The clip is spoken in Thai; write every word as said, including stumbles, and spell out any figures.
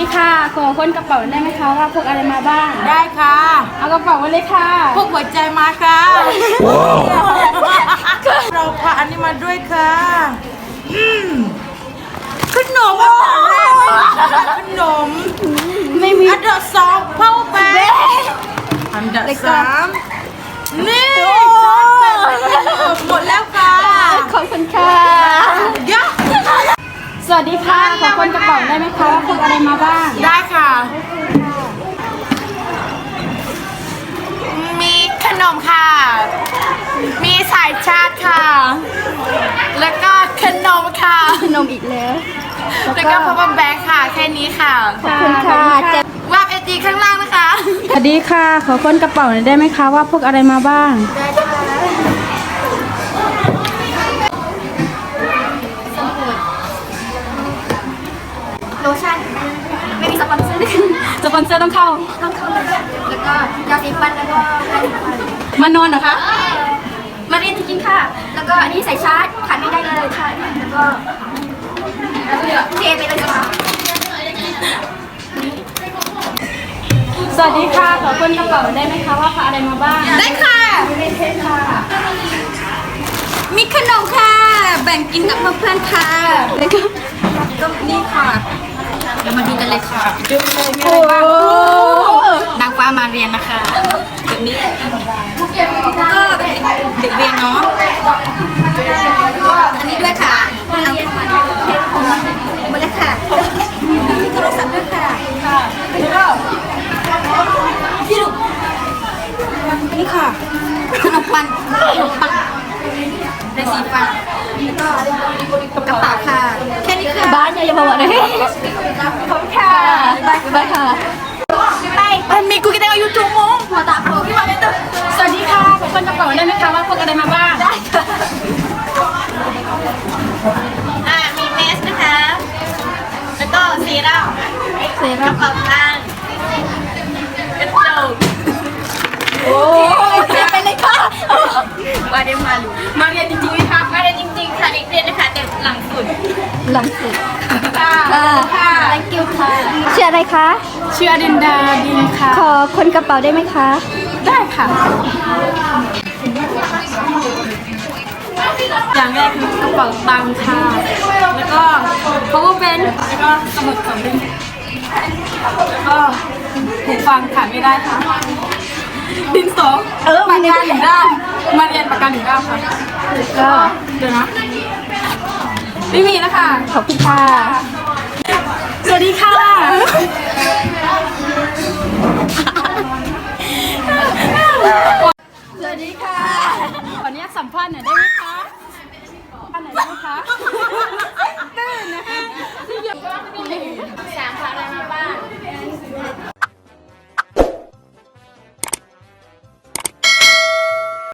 ดีค่ะขอค้นกระเป๋าได้ไหมคะว่าพกอะไรมาบ้างได้ค่ะเอากระเป๋ามาเลยค่ะพกหัวใจมาค่ะเราพาอันนี้มาด้วยค่ะอืมขนมอันดับแรกขนมไม่มีอันดับสองเผาแป้งอันดับสามนี่หมดแล้วค่ะขอบคุณค่ะยะสวัสดีค่ะขอค้นกระเป๋าได้ไหมคะว่าพกอะไรมาบ้างได้ค่ะมีขนมค่ะมีสายชาร์จค่ะแล้วก็ขนมค่ะขนมอีกแล้วแล้วก็พับแบงค์ค่ะแค่นี้ค่ะขอบคุณค่ะวาบเอจีข้างล่างนะคะสวัสดีค่ะขอค้นกระเป๋าได้ไหมคะว่าพกอะไรมาบ้างได้ค่ะโลชั่นไม่มีสปอนเซอร์สปอนเซอร์ต้องเข้าต้องเข้าแล้วก็ยาสีฟันแล้วก็แปรงฟันมานอนเหรอคะมาเรียนจริงๆค่ะแล้วก็อันนี้ใส่ชาร์จขาดไม่ได้เลยค่ะแล้วก็เทไปเลยค่ะสวัสดีค่ะขอค้นกระเป๋าได้ไหมคะว่าพกอะไรมาบ้างได้ค่ะไม่ใช่ค่ะมีขนมค่ะแบ่งกินกับเพื่อนๆค่ะแล้วก็ก็นี่ค่ะเรามาดูกันเลยค่ะดูเลยมีอะไรบ้างนางฟ้ามาเรียนนะคะแบบนี้ก็เด็กเรียนเนาะอันนี้ด้วยค่ะเอาเข้ามาหมดแล้วค่ะมีโทรศัพท์ด้วยค่ะพี่ลูกนี่ค่ะขนมปังขนมปังในสีฟ้าแล้วก็กระเป๋าค่ะแค่นี้ค่ะบ้านอย่าบอกเลยขอบคุณค่ะบ๊ายบายค่ะไปมีกูกินได้ยูทูบมั้งหัวตาโผล่ขึ้นมาเป็นตัวสวัสดีค่ะขอค้นกระเป๋าได้ไหมคะว่าพกอะไรมาบ้างได้ค่ะอ่ามีเมสนะคะแล้วก็ซีรั่มเซรั่มกระเป๋าตังค์กระจกโอ้เจ็บไปเลยค่ะว่าได้มาหรือมาเรียนจริงๆไหมคะมาเรียนจริงๆค่ะเด็กเรียนนะคะแต่หลังสุดหลังสุดค่ะค่ะ thank you ค่ะชื่ออะไรคะชื่ออดินดาดินค่ะขอค้นกระเป๋าได้ไหมคะได้ค่ะอย่างแรกคือกระเป๋าตังค์ค่ะแล้วก็ power bank แล้วก็สมุดสำเร็จแล้วก็หูฟังขาดไม่ได้ค่ะดินสอเออปากกาหนึ่งด้านมาเรียนปากกาหนึ่งด้านค่ะก็เดี๋ยวนะไม่มีแล้วค่ะขอบคุณค่ะสวัสดีค่ะสวัสดีค่ะขออนุญาตสัมภาษณ์หน่อยได้